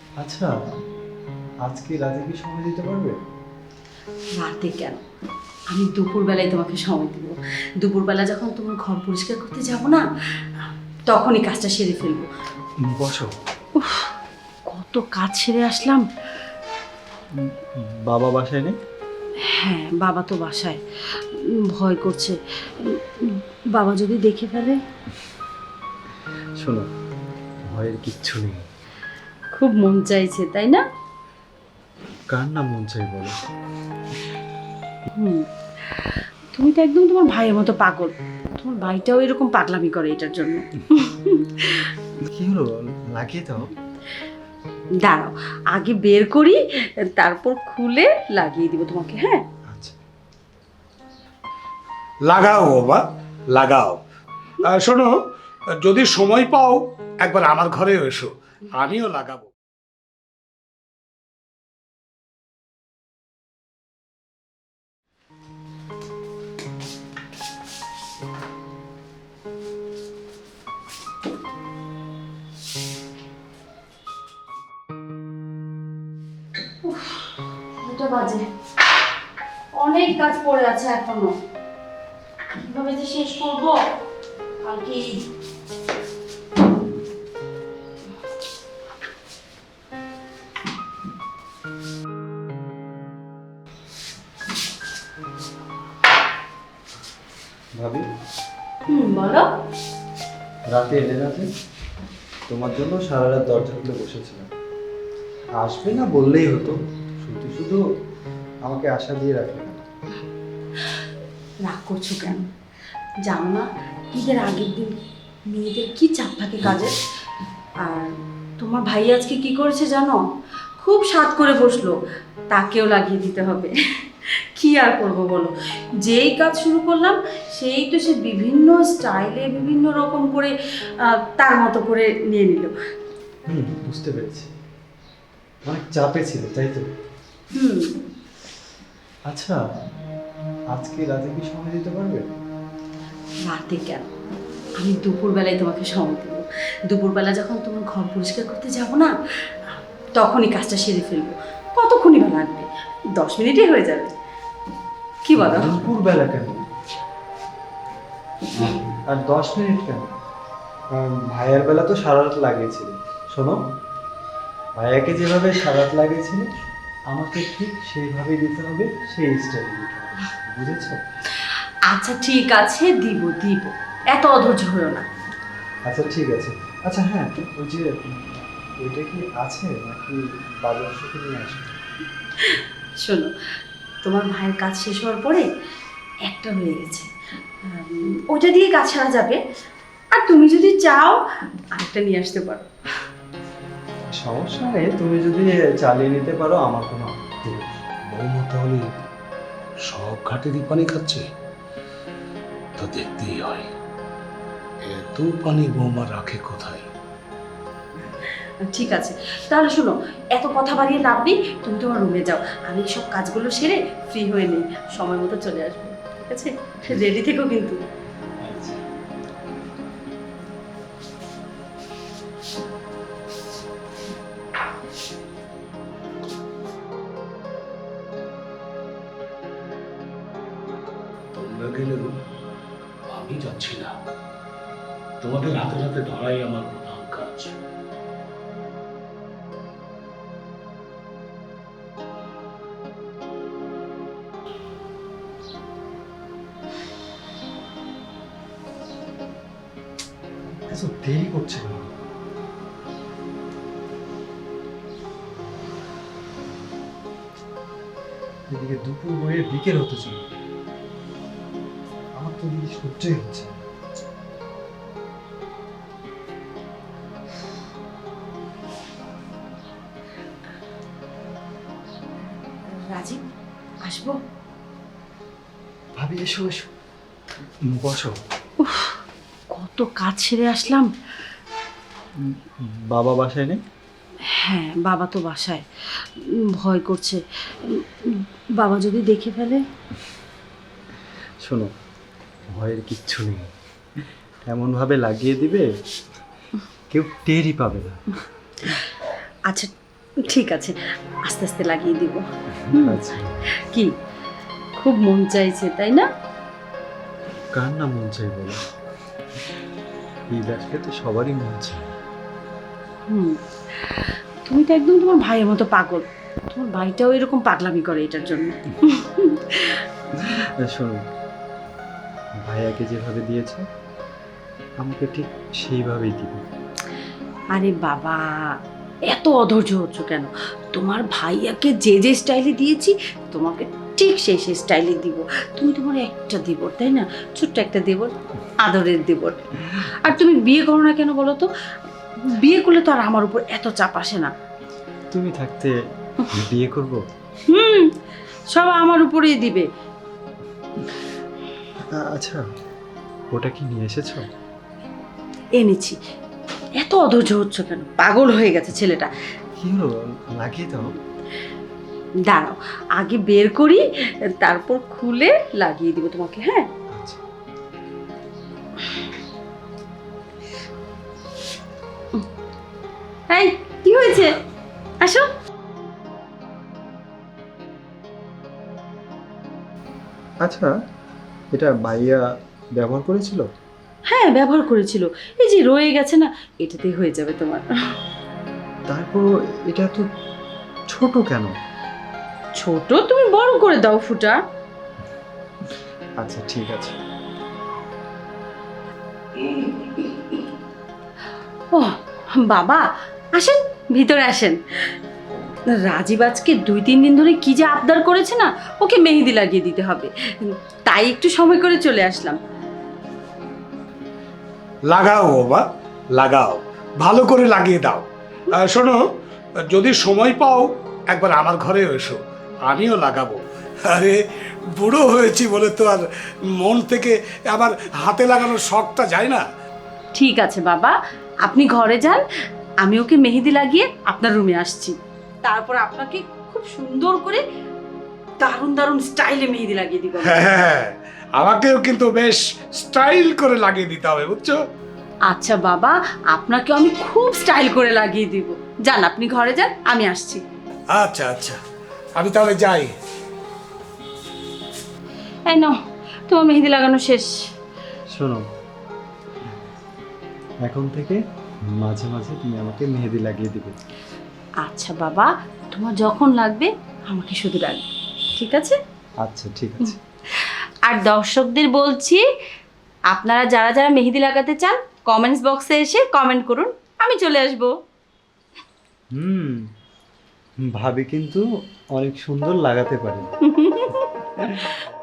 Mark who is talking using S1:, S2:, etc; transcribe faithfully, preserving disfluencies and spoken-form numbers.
S1: আচ্ছা, আজকে রাতে কি সময় দিতে পারবে?
S2: রাতে কেন, আমি দুপুরবেলায় তোমাকে সময় দেবো। দুপুরবেলা যখন তোমার ঘর পরিষ্কার করতে যাব না, তখনই কাজটা সেরে ফেলবো।
S1: বসো।
S2: উফ, কত কাজ সেরে আসলাম।
S1: বাবা বাসায় নেই?
S2: হ্যাঁ, বাবা তো বাসায়। উম, ভয় করছে, উম, বাবা যদি দেখে ফেলে।
S1: শোনো, ভয়ের কিচ্ছু নেই।
S2: খুব মন চাইছে, তাই না?
S1: কার না মন চাই বলো?
S2: হুম, তুমি তো একদম তোমার ভাইয়ের মতো পাগল। তোমার ভাইটাও এরকম পাগলামি করে এটার জন্য।
S1: কি হলো, লাগিয়ে দাও।
S2: দাঁড়াও, আগে বের করি, তারপর খুলে লাগিয়ে দিব তোমাকে। হ্যাঁ,
S1: আচ্ছা।
S3: লাগাও বাবা, লাগাও। আহ, শোনো, যদি সময় পাও একবার আমার ঘরে এসো, আমিও লাগাবো।
S2: দুটো বাজে, অনেক কাজ পড়ে আছে এখনো। কিভাবে যে শেষ করবো কালকে।
S1: ভাবি,
S2: হুম, বলো।
S1: রাতে এলে রাতে তোমার জন্য সারা রাত দরজা খুলে বসেছিলাম। আসবে না বললেই হতো, শুধু শুধু আমাকে আশা দিয়ে রাখলে কেন?
S2: রাগ করছো কেন? জানো না, ঈদের আগের দিন মেয়েদের কি চাপ থাকে কাজের। আর তোমার ভাই আজকে কি করেছে জানো? খুব স্বাদ করে বসলো, তাকেও লাগিয়ে দিতে হবে। কি আর করবো বলো, যেই কাজ শুরু করলাম সেই তো সে বিভিন্ন স্টাইলে বিভিন্ন রকম করে আহ, তার মতো করে নিয়ে নিল।
S1: হুম, বুঝতে পেরেছি, অনেক চাপে ছিল তাই তো।
S2: হুম,
S1: আচ্ছা, আজকে রাতে কি সময় দিতে পারবে?
S2: রাতে কেন, আমি দুপুরবেলায় তোমাকে সময় দেবো। দুপুরবেলা যখন তোমার ঘর পরিষ্কার করতে যাব না, তখনই কাজটা সেরে ফেলবো। কতক্ষণই বা লাগবে? দশ মিনিটে হয়ে যাবে। কি বলো?
S1: দুপুর বেলা কেন? আর দশ মিনিট কেন? আহ, ভাইয়ার বেলা তো সারা রাত লাগিয়েছিল। শোনো, ভাইয়াকে যেভাবে সারা রাত লাগিয়েছিল আমাকে ঠিক সেইভাবেই দিতে হবে, সেই স্টাইলে দিতে হবে, বুঝেছো?
S2: আচ্ছা ঠিক আছে, দিব দিব, এত অধৈর্য হয়েও না।
S1: আচ্ছা ঠিক আছে। আচ্ছা হ্যাঁ, ওই যে ওইটা কি আছে নাকি বাজার থেকে নিয়ে আসবে?
S2: শোনো, তোমার ভাইয়ের কাজ শেষ হওয়ার পরে একটা হয়ে গেছে, উম, ওইটা দিয়ে কাজ সারা যাবে। আর তুমি যদি চাও আরেকটা নিয়ে আসতে পারো।
S1: সমস্যা নেই, তুমি যদি চালিয়ে নিতে পারো আমার কোনো আপত্তি নেই।
S3: বৌমা তাহলে সব ঘাটেরই পানি খাচ্ছে, তো দেখতেই হয় এত পানি বৌমা রাখে কোথায়।
S2: ঠিক আছে, তাহলে শোনো, এত কথা বাড়িয়ে লাভ নেই, তুমি তোমার রুমে যাও, আমি সব কাজগুলো সেরে ফ্রি হয়ে নেই, সময় মতো চলে আসবো। ঠিক আছে, রেডি থেকো কিন্তু।
S3: তোমরা গেলেও আমি যাচ্ছি না, তোমাদের হাতে হাতে ধরাই আমার প্রধান কাজ।
S1: এত দেরি করছে কেন? এদিকে দুপুর হয়ে বিকেল হতে ছিল, আমার তো এদিকে সহ্যই হচ্ছে না।
S2: রাজীব, আসবো?
S1: ভাবি এসো এসো, বসো।
S2: উফ, কত কাজ সেরে আসলাম।
S1: বাবা বাসায় নেই?
S2: হ্যাঁ, বাবা তো বাসায়। উম, ভয় করছে, উম, বাবা যদি দেখে ফেলে।
S1: শোনো, ভয়ের কিচ্ছু নেই, এমন ভাবে লাগিয়ে দিবে কেউ টেরই পাবে না।
S2: আচ্ছা ঠিক আছে, আস্তে আস্তে লাগিয়ে দিব।
S1: আচ্ছা,
S2: কি খুব মন চাইছে তাই না?
S1: কার না মন চাই বলো? ঈদ আসলে তো সবারই মন চাই।
S2: হুম, তুমি তো একদম তোমার ভাইয়ের মতো পাগল। তোমার ভাইটাও এরকম পাগলামি করে এটার জন্য।
S1: শোনো, ভাইয়াকে যেভাবে দিয়েছ আমাকে ঠিক সেইভাবেই দিবে।
S2: আরে বাবা, এত অধৈর্য হচ্ছ কেন? তোমার ভাইয়াকে যে যে স্টাইলে দিয়েছি তোমাকে ঠিক সেই সেই স্টাইলে দিব। তুমি তোমার একটা দেবর তাই না, ছোট্ট একটা দেবর, আদরের দেবর। আর তুমি বিয়ে করো না কেন বলো তো? বিয়ে করলে তো আর আমার উপর এত চাপ আসে না।
S1: তুমি থাকতে বিয়ে করব?
S2: হুম, সব আমার উপরেই দিবে।
S1: আ- আচ্ছা, ওটা কি নিয়ে এসেছো?
S2: এনেছি। এত অধৈর্য হচ্ছ কেন? পাগল হয়ে গেছে ছেলেটা।
S1: কি হলো, লাগিয়ে দাও।
S2: দাঁড়াও, আগে বের করি, তারপর খুলে লাগিয়ে দিব তোমাকে। হ্যাঁ,
S1: আচ্ছা,
S2: এই কি হয়েছে? আসো।
S1: আচ্ছা, এটা ভাইয়া ব্যবহার করেছিল?
S2: হ্যাঁ, ব্যবহার করেছিল। এই যে রয়ে গেছে না, এটাতেই হয়ে যাবে তোমার।
S1: তারপরও এটা তো ছোট কেন?
S2: ছোট তুমি বড় করে দাও ফুটা।
S1: আচ্ছা, ঠিক আছে।
S2: ও বাবা, আসেন ভিতরে আসেন। রাজীব আজকে দুই তিন দিন ধরে কি যে আবদার করেছে না, ওকে মেহেদি লাগিয়ে দিতে হবে, তাই একটু সময় করে চলে আসলাম।
S3: লাগাও বাবা, লাগাও, ভালো করে লাগিয়ে দাও। আহ, শোনো, যদি সময় পাও একবার আমার ঘরে এসো, আমিও লাগাবো। আরে বুড়ো হয়েছি বলে তো আর মন থেকে আমার হাতে লাগানোর শখটা যায় না।
S2: ঠিক আছে বাবা, আপনি ঘরে যান, আমি ওকে মেহেদি লাগিয়ে আপনার রুমে আসছি। তারপর আপনাকে খুব সুন্দর করে দারুণ দারুণ স্টাইলে মেহেদি লাগিয়ে দিব।
S3: হ্যাঁ, আমাকেও কিন্তু বেশ স্টাইল করে লাগিয়ে দিতে হবে, বুঝছো?
S2: আচ্ছা বাবা, আপনাকে আমি খুব স্টাইল করে লাগিয়ে দিব। যান, আপনি ঘরে যান, আমি আসছি।
S3: আচ্ছা আচ্ছা, আমি তাহলে যাই।
S2: এই নাও, তোমার মেহেদি লাগানো শেষ।
S1: শোনো, এখন থেকে মাঝে মাঝে তুমি আমাকে মেহেদি লাগিয়ে দিবে।
S2: আচ্ছা বাবা, তোমার যখন লাগবে আমাকে শুধু ডাকবে, ঠিক আছে?
S1: আচ্ছা, ঠিক আছে।
S2: আর দর্শকদের বলছি, আপনারা যারা যারা মেহেদি লাগাতে চান কমেন্টস বক্সে এসে কমেন্ট করুন, আমি চলে আসব।
S1: হুম, ভাবি কিন্তু অনেক সুন্দর লাগাতে পারে।